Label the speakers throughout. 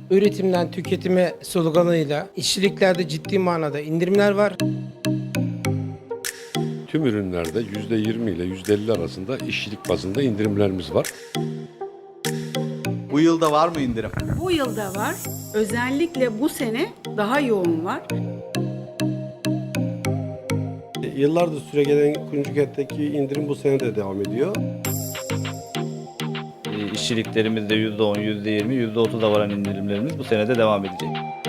Speaker 1: Üretimden tüketime sloganıyla işçiliklerde ciddi manada indirimler var.
Speaker 2: Tüm ürünlerde %20 ile %50 arasında işçilik bazında indirimlerimiz var.
Speaker 3: Bu yılda var mı indirim?
Speaker 4: Bu yılda var. Özellikle bu sene daha yoğun var.
Speaker 5: Yıllardır süregelen Kuyumcu Kent'teki indirim bu sene de devam ediyor.
Speaker 6: İşçiliklerimizde %10, %20, %30'a varan indirimlerimiz bu sene de devam edecek.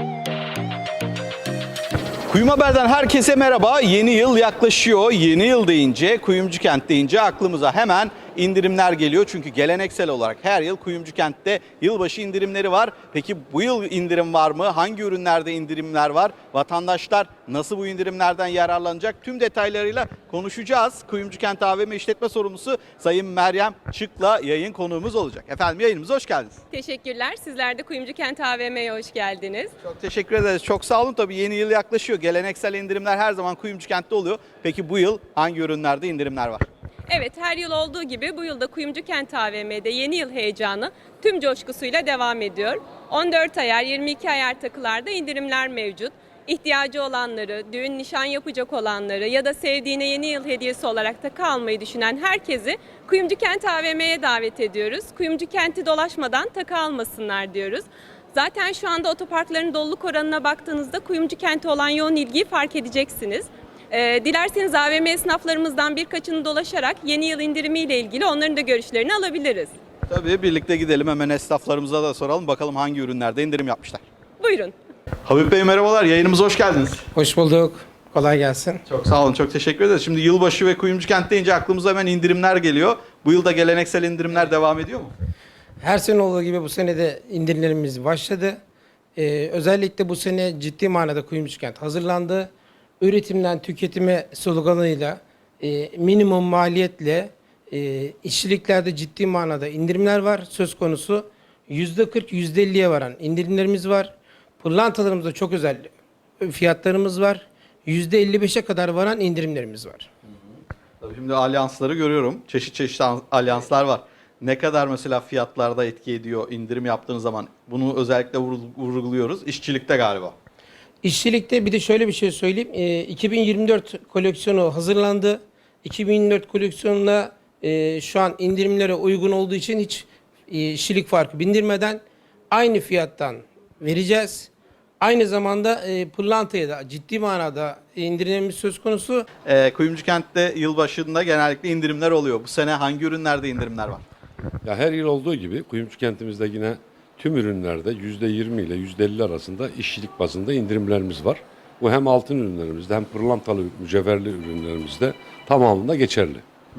Speaker 3: Kuyum Haber'den herkese merhaba. Yeni yıl yaklaşıyor. Yeni yıl deyince, Kuyumcu Kent deyince aklımıza hemen indirimler geliyor. Çünkü geleneksel olarak her yıl Kuyumcu Kent'te yılbaşı indirimleri var. Peki bu yıl indirim var mı? Hangi ürünlerde indirimler var? Vatandaşlar nasıl bu indirimlerden yararlanacak? Tüm detaylarıyla konuşacağız. Kuyumcu Kent AVM İşletme Sorumlusu Sayın Meryem Çık'la yayın konuğumuz olacak. Efendim yayınımıza hoş geldiniz.
Speaker 7: Teşekkürler. Sizler de Kuyumcu Kent AVM'ye hoş geldiniz.
Speaker 3: Çok teşekkür ederiz. Çok sağ olun. Tabii yeni yıl yaklaşıyor. Geleneksel indirimler her zaman Kuyumcu Kent'te oluyor. Peki bu yıl hangi ürünlerde indirimler var?
Speaker 7: Evet, her yıl olduğu gibi bu yılda Kuyumcu Kent AVM'de yeni yıl heyecanı tüm coşkusuyla devam ediyor. 14 ayar, 22 ayar takılarda indirimler mevcut. İhtiyacı olanları, düğün nişan yapacak olanları ya da sevdiğine yeni yıl hediyesi olarak takı almayı düşünen herkesi Kuyumcu Kent AVM'ye davet ediyoruz. Kuyumcu Kent'i dolaşmadan takı almasınlar diyoruz. Zaten şu anda otoparkların doluluk oranına baktığınızda Kuyumcu Kent'e olan yoğun ilgiyi fark edeceksiniz. Dilerseniz AVM esnaflarımızdan birkaçını dolaşarak yeni yıl indirimiyle ilgili onların da görüşlerini alabiliriz.
Speaker 3: Tabii birlikte gidelim, hemen esnaflarımıza da soralım. Bakalım hangi ürünlerde indirim yapmışlar.
Speaker 7: Buyurun.
Speaker 3: Habib Bey merhabalar. Yayınımıza hoş geldiniz.
Speaker 1: Hoş bulduk. Kolay gelsin.
Speaker 3: Çok sağ olun. Çok teşekkür ederiz. Şimdi yılbaşı ve Kuyumcu Kent deyince aklımıza hemen indirimler geliyor. Bu yılda geleneksel indirimler devam ediyor mu?
Speaker 1: Her sene olduğu gibi bu sene de indirimlerimiz başladı. Özellikle bu sene ciddi manada Kuyumcu Kent hazırlandı. Üretimden tüketime sloganıyla minimum maliyetle işçiliklerde ciddi manada indirimler var söz konusu. %40, %50'ye varan indirimlerimiz var. Pırlantalarımızda çok özel fiyatlarımız var. %55'e kadar varan indirimlerimiz var.
Speaker 3: Tabii şimdi alyansları görüyorum. Çeşit çeşit alyanslar var. Ne kadar mesela fiyatlarda etki ediyor indirim yaptığınız zaman? Bunu özellikle vurguluyoruz. İşçilikte galiba.
Speaker 1: İşçilikte bir de şöyle bir şey söyleyeyim. 2024 koleksiyonu hazırlandı. 2024 koleksiyonunda şu an indirimlere uygun olduğu için hiç işçilik farkı bindirmeden aynı fiyattan vereceğiz. Aynı zamanda pırlantaya da ciddi manada indirimimiz söz konusu.
Speaker 3: Kuyumcu Kent'te yılbaşında genellikle indirimler oluyor. Bu sene hangi ürünlerde indirimler var?
Speaker 2: Ya her yıl olduğu gibi Kuyumcu Kentimizde yine tüm ürünlerde %20 ile %50 arasında işçilik bazında indirimlerimiz var. Bu hem altın ürünlerimizde hem pırlantalı mücevherli ürünlerimizde tamamında geçerli.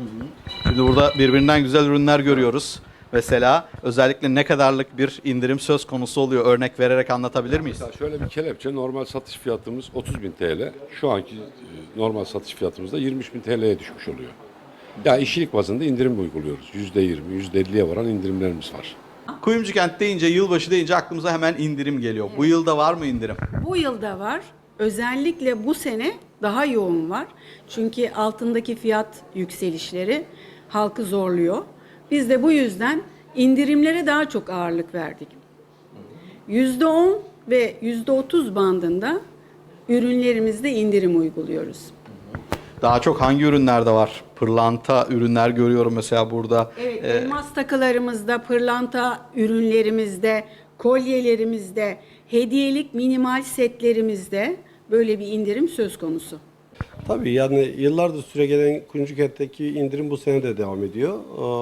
Speaker 3: Şimdi burada birbirinden güzel ürünler görüyoruz. Mesela özellikle ne kadarlık bir indirim söz konusu oluyor? Örnek vererek anlatabilir miyiz?
Speaker 2: Mesela şöyle bir kelepçe, normal satış fiyatımız 30.000 TL. Şu anki normal satış fiyatımız da 23.000 TL'ye düşmüş oluyor. Ya işçilik bazında indirim uyguluyoruz. %20, %50'ye varan indirimlerimiz var.
Speaker 3: Kuyumcu Kent deyince, yılbaşı deyince aklımıza hemen indirim geliyor. Bu yılda var mı indirim?
Speaker 4: Bu yılda var. Özellikle bu sene daha yoğun var. Çünkü altındaki fiyat yükselişleri halkı zorluyor. Biz de bu yüzden indirimlere daha çok ağırlık verdik. %10 ve %30 bandında ürünlerimizde indirim uyguluyoruz.
Speaker 3: Daha çok hangi ürünlerde var? Pırlanta ürünler görüyorum mesela burada.
Speaker 4: Evet, elmas takılarımızda, pırlanta ürünlerimizde, kolyelerimizde, hediyelik minimal setlerimizde böyle bir indirim söz konusu.
Speaker 5: Tabii yani yıllardır süregelen Kuyumcu Kent'teki indirim bu sene de devam ediyor.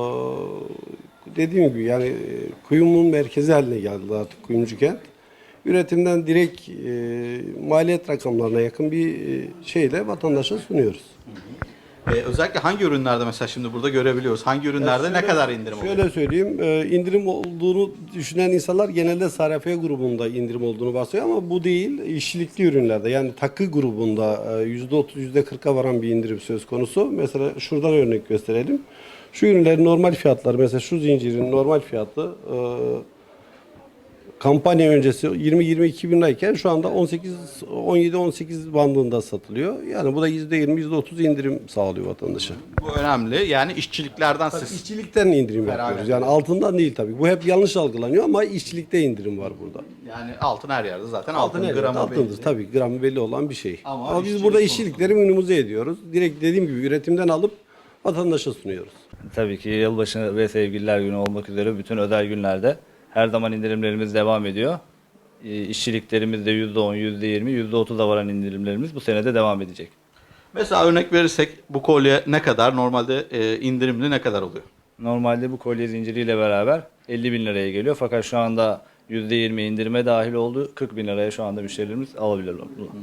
Speaker 5: Dediğim gibi yani kuyumun merkezi haline geldi artık Kuyumcu Kent. Üretimden direkt maliyet rakamlarına yakın bir şeyle vatandaşa sunuyoruz.
Speaker 3: Özellikle hangi ürünlerde mesela şimdi burada görebiliyoruz? Hangi ürünlerde ne kadar indirim oluyor?
Speaker 5: Şöyle söyleyeyim, indirim olduğunu düşünen insanlar genelde Sarafiye grubunda indirim olduğunu bahsediyor ama bu değil, işçilikli ürünlerde yani takı grubunda %30, %40'a varan bir indirim söz konusu. Mesela şuradan örnek gösterelim. Şu ürünlerin normal fiyatları, mesela şu zincirin normal fiyatı kampanya öncesi 20-22 bin lirayken şu anda 17-18 bandında satılıyor. Yani bu da %20, %30 indirim sağlıyor vatandaşa.
Speaker 3: Bu önemli. Yani işçiliklerden siz
Speaker 5: İşçilikten indirim yapıyoruz. Yani altından değil tabii. Bu hep yanlış algılanıyor ama işçilikte indirim var burada.
Speaker 3: yani altın her yerde zaten
Speaker 5: Altın evet,
Speaker 3: gramı
Speaker 5: altındır
Speaker 3: belli.
Speaker 5: tabii. Gramı belli olan bir şey.
Speaker 3: Ama
Speaker 5: Ama biz
Speaker 3: işçilik
Speaker 5: burada
Speaker 3: konusunda-
Speaker 5: işçilikleri minimize ediyoruz. Direkt dediğim gibi üretimden alıp vatandaşa sunuyoruz.
Speaker 6: Tabii ki yılbaşı ve sevgililer günü olmak üzere bütün özel günlerde her zaman indirimlerimiz devam ediyor. İşçiliklerimizde %10, %20, %30'a varan indirimlerimiz bu sene de devam edecek.
Speaker 3: Mesela örnek verirsek bu kolye ne kadar? Normalde indirimli ne kadar oluyor?
Speaker 6: Normalde bu kolye zinciriyle beraber 50 bin liraya geliyor. Fakat şu anda %20 indirime dahil oldu. 40 bin liraya şu anda müşterilerimiz alabilirler.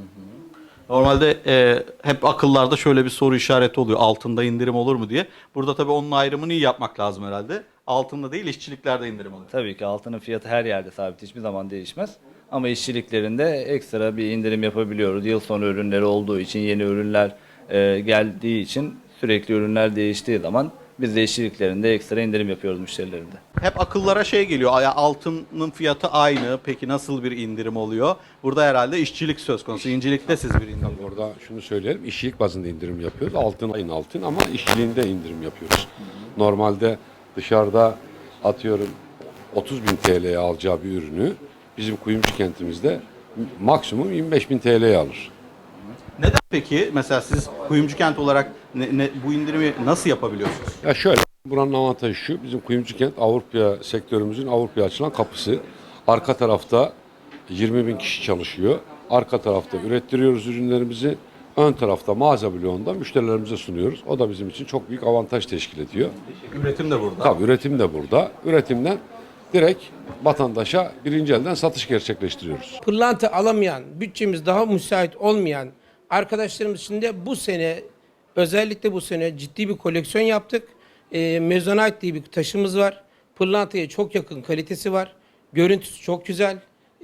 Speaker 3: Normalde hep akıllarda şöyle bir soru işareti oluyor. Altında indirim olur mu diye. Burada tabii onun ayrımını iyi yapmak lazım herhalde. Altında değil işçiliklerde indirim oluyor.
Speaker 6: Tabii ki altının fiyatı her yerde sabit. Hiçbir zaman değişmez. Ama işçiliklerinde ekstra bir indirim yapabiliyoruz. Yıl sonu ürünleri olduğu için, yeni ürünler geldiği için sürekli ürünler değiştiği zaman biz de işçiliklerinde ekstra indirim yapıyoruz müşterilerinde.
Speaker 3: Hep akıllara şey geliyor. Altının fiyatı aynı. Peki nasıl bir indirim oluyor? Burada herhalde işçilik söz konusu. İncilikte siz bir indirim.
Speaker 2: Orada şunu söyleyelim, işçilik bazında indirim yapıyoruz. Altın aynı altın ama işçiliğinde indirim yapıyoruz. Normalde dışarıda atıyorum 30 bin TL'ye alacağı bir ürünü bizim kuyumcu kentimizde maksimum 25 bin TL'ye alır.
Speaker 3: Neden peki? Mesela siz kuyumcu kent olarak bu indirimi nasıl yapabiliyorsunuz?
Speaker 2: Ya şöyle, buranın avantajı şu, bizim kuyumcu kent Avrupa sektörümüzün Avrupa'ya açılan kapısı. Arka tarafta 20 bin kişi çalışıyor. Arka tarafta ürettiriyoruz ürünlerimizi. Ön tarafta mağaza bloğunda müşterilerimize sunuyoruz. O da bizim için çok büyük avantaj teşkil ediyor.
Speaker 3: Üretim de burada.
Speaker 2: Tabii üretim de burada. Üretimden direkt vatandaşa birinci elden satış gerçekleştiriyoruz.
Speaker 1: Pırlanta alamayan, bütçemiz daha müsait olmayan arkadaşlarımız için de bu sene, özellikle bu sene ciddi bir koleksiyon yaptık. Mezonite diye bir taşımız var. Pırlantaya çok yakın kalitesi var. Görüntüsü çok güzel.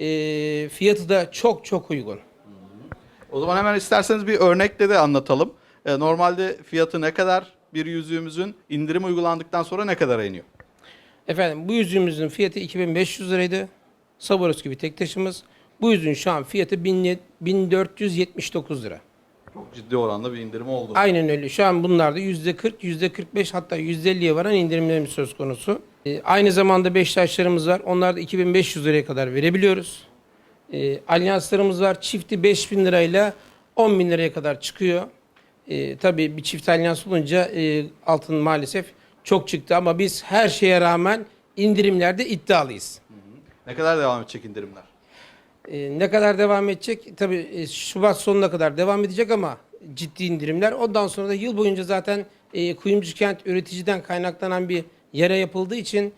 Speaker 1: Fiyatı da çok çok uygun.
Speaker 3: O zaman hemen isterseniz bir örnekle de anlatalım. Normalde fiyatı ne kadar bir yüzüğümüzün indirim uygulandıktan sonra ne kadar iniyor?
Speaker 1: Efendim bu yüzüğümüzün fiyatı 2500 liraydı. Swarovski bir tek taşımız. Bu yüzüğün şu an fiyatı 1479 lira.
Speaker 3: Çok ciddi oranda bir indirim oldu.
Speaker 1: Aynen öyle. Şu an bunlarda %40, %45 hatta %50'ye varan indirimlerimiz söz konusu. Aynı zamanda Beşiktaşlarımız var. Onlarda 2500 liraya kadar verebiliyoruz. Alyanslarımız var. Çifti 5000 lirayla 10 bin liraya kadar çıkıyor. Tabii bir çift alyans olunca altın maalesef çok çıktı ama biz her şeye rağmen indirimlerde iddialıyız.
Speaker 3: Ne kadar devam edecek indirimler?
Speaker 1: Ne kadar devam edecek? Tabii Şubat sonuna kadar devam edecek ama ciddi indirimler. Ondan sonra da yıl boyunca zaten Kuyumcu Kent üreticiden kaynaklanan bir yere yapıldığı için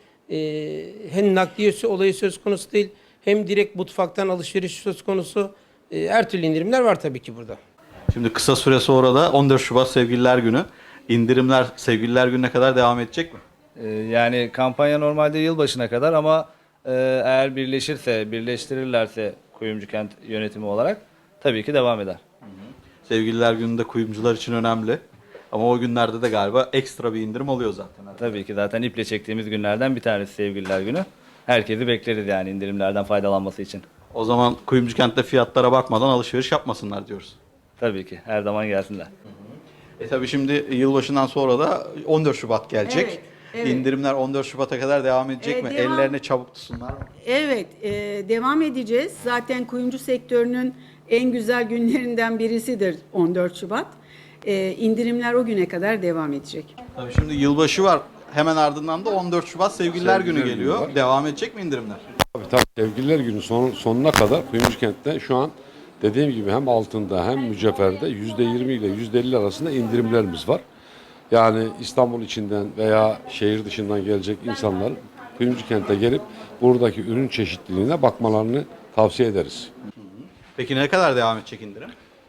Speaker 1: hem nakliyesi olayı söz konusu değil hem direkt mutfaktan alışveriş söz konusu. Her türlü indirimler var tabii ki burada.
Speaker 3: Şimdi kısa süre sonra da 14 Şubat Sevgililer Günü. İndirimler Sevgililer Günü'ne kadar devam edecek mi?
Speaker 6: Yani kampanya normalde yılbaşına kadar ama eğer birleştirirlerse Kuyumcu Kent yönetimi olarak tabii ki devam eder.
Speaker 3: Sevgililer Günü de kuyumcular için önemli. Ama o günlerde de galiba ekstra bir indirim oluyor zaten.
Speaker 6: Tabii ki zaten iple çektiğimiz günlerden bir tanesi Sevgililer Günü. Herkesi bekleriz yani indirimlerden faydalanması için.
Speaker 3: O zaman Kuyumcu Kent'te fiyatlara bakmadan alışveriş yapmasınlar diyoruz.
Speaker 6: Tabii ki her zaman gelsinler.
Speaker 3: Tabii şimdi yılbaşından sonra da 14 Şubat gelecek.
Speaker 4: Evet, evet.
Speaker 3: İndirimler 14 Şubat'a kadar devam edecek mi?
Speaker 4: Devam.
Speaker 3: Ellerini çabuk tutsunlar mı?
Speaker 4: Evet, devam edeceğiz. Zaten kuyumcu sektörünün en güzel günlerinden birisidir 14 Şubat. İndirimler o güne kadar devam edecek.
Speaker 3: Tabii şimdi yılbaşı var. Hemen ardından da 14 Şubat Sevgililer Günü
Speaker 2: Sevgililer
Speaker 3: geliyor.
Speaker 2: Günü var.
Speaker 3: Devam edecek mi indirimler?
Speaker 2: Tabii Sevgililer Günü sonuna kadar Kuyumcu Kent'te şu an dediğim gibi hem altında hem mücevherde %20 ile %50 arasında indirimlerimiz var. Yani İstanbul içinden veya şehir dışından gelecek insanlar Kuyumcu Kent'e gelip buradaki ürün çeşitliliğine bakmalarını tavsiye ederiz.
Speaker 3: Peki ne kadar devam edecek indirim?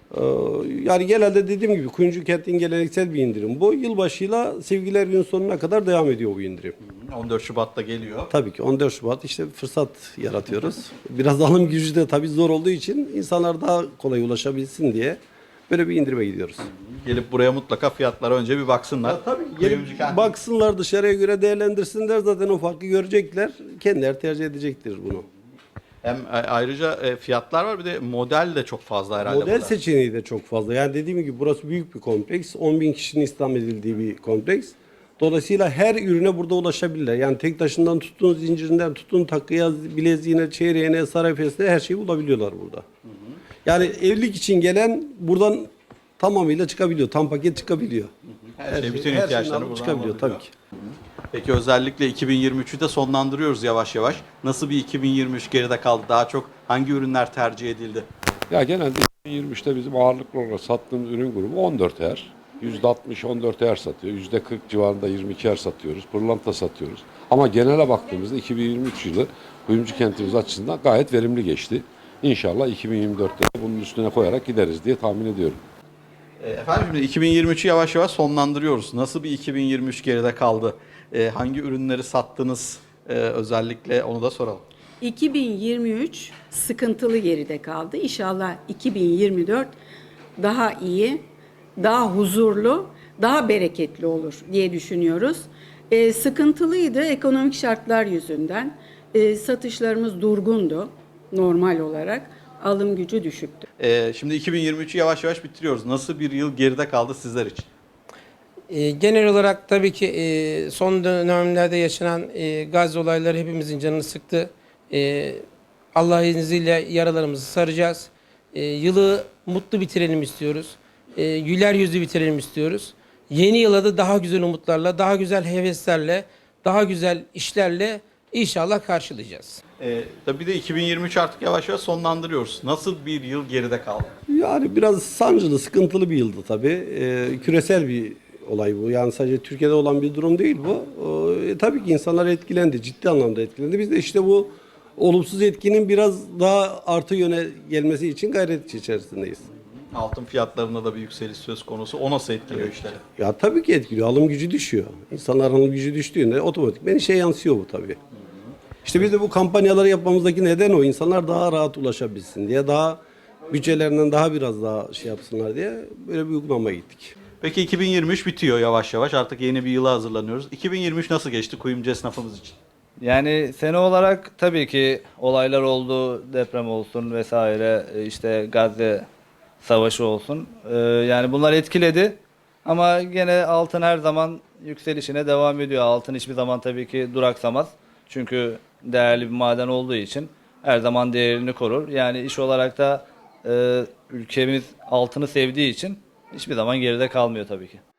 Speaker 5: Yani genelde dediğim gibi Kuyumcu Kent'in geleneksel bir indirim. Bu yılbaşıyla Sevgililer Günü sonuna kadar devam ediyor bu indirim.
Speaker 3: 14 Şubat'ta geliyor.
Speaker 5: Tabii ki 14 Şubat işte fırsat yaratıyoruz. Biraz alım gücü de tabii zor olduğu için insanlar daha kolay ulaşabilsin diye böyle bir indirime gidiyoruz.
Speaker 3: Gelip buraya mutlaka fiyatlara önce bir baksınlar.
Speaker 5: Tabii
Speaker 3: Kuyumcu
Speaker 5: gelip
Speaker 3: Kent-
Speaker 5: baksınlar dışarıya göre değerlendirsinler zaten o farkı görecekler. Kendileri tercih edecektir bunu.
Speaker 3: Hem ayrıca fiyatlar var, bir de model de çok fazla herhalde.
Speaker 5: Model
Speaker 3: burada.
Speaker 5: seçeneği de çok fazla. Yani dediğim gibi burası büyük bir kompleks. 10 bin kişinin istihdam edildiği bir kompleks. Dolayısıyla her ürüne burada ulaşabilirler. Yani tek taşından tutun, zincirinden tutun, takıya, bileziğine, çeyreğine, sarayfesine her şeyi bulabiliyorlar burada. Yani evlilik için gelen buradan tamamıyla çıkabiliyor. Tam paket çıkabiliyor.
Speaker 3: Her şey, bütün
Speaker 5: her
Speaker 3: ihtiyaçları
Speaker 5: şeyini alıp
Speaker 3: buradan
Speaker 5: çıkabiliyor tabii
Speaker 3: alabiliyor.
Speaker 5: ki.
Speaker 3: Peki özellikle 2023'ü de sonlandırıyoruz yavaş yavaş. Nasıl bir 2023 geride kaldı? Daha çok hangi ürünler tercih edildi?
Speaker 2: Ya genelde 2023'te bizim ağırlıklı olarak sattığımız ürün grubu 14 er. %60 14 er satıyor. %40 civarında 22 er satıyoruz. Pırlanta satıyoruz. Ama genele baktığımızda 2023 yılı kuyumcu kentimiz açısından gayet verimli geçti. İnşallah 2024'te de bunun üstüne koyarak gideriz diye tahmin ediyorum.
Speaker 3: Efendim şimdi 2023'ü yavaş yavaş sonlandırıyoruz. Nasıl bir 2023 geride kaldı? Hangi ürünleri sattınız? Özellikle onu da soralım.
Speaker 4: 2023 sıkıntılı geride kaldı. İnşallah 2024 daha iyi, daha huzurlu, daha bereketli olur diye düşünüyoruz. Sıkıntılıydı ekonomik şartlar yüzünden. Satışlarımız durgundu normal olarak. Alım gücü düşüktü.
Speaker 3: Şimdi 2023'ü yavaş yavaş bitiriyoruz. Nasıl bir yıl geride kaldı sizler için?
Speaker 1: Genel olarak tabii ki son dönemlerde yaşanan gaz olayları hepimizin canını sıktı. Allah izniyle yaralarımızı saracağız. Yılı mutlu bitirelim istiyoruz. Güler yüzlü bitirelim istiyoruz. Yeni yıla da daha güzel umutlarla, daha güzel heveslerle, daha güzel işlerle inşallah karşılayacağız.
Speaker 3: Tabii bir de 2023 artık yavaş yavaş sonlandırıyoruz. Nasıl bir yıl geride kaldı?
Speaker 5: Yani biraz sancılı, sıkıntılı bir yıldı tabii. Küresel bir olay bu. Yani sadece Türkiye'de olan bir durum değil bu. Tabii ki insanlar etkilendi, ciddi anlamda etkilendi. Biz de işte bu olumsuz etkinin biraz daha artı yöne gelmesi için gayret içerisindeyiz.
Speaker 3: Altın fiyatlarında da bir yükseliş söz konusu. O nasıl etkiliyor işleri?
Speaker 5: Ya tabii ki etkiliyor. Alım gücü düşüyor. İnsanların alım gücü düştüğünde otomatikman işe yansıyor bu tabii. İşte biz de bu kampanyaları yapmamızdaki neden o. İnsanlar daha rahat ulaşabilsin diye, daha bütçelerinden daha biraz daha şey yapsınlar diye böyle bir uygulamaya gittik.
Speaker 3: Peki 2023 bitiyor yavaş yavaş. Artık yeni bir yıla hazırlanıyoruz. 2023 nasıl geçti kuyumcu esnafımız için?
Speaker 6: Yani sene olarak tabii ki olaylar oldu, deprem olsun vesaire, işte Gazze savaşı olsun. Yani bunlar etkiledi ama gene altın her zaman yükselişine devam ediyor. Altın hiçbir zaman tabii ki duraksamaz. Çünkü değerli bir maden olduğu için her zaman değerini korur. Yani iş olarak da ülkemiz altını sevdiği için hiçbir zaman geride kalmıyor tabii ki.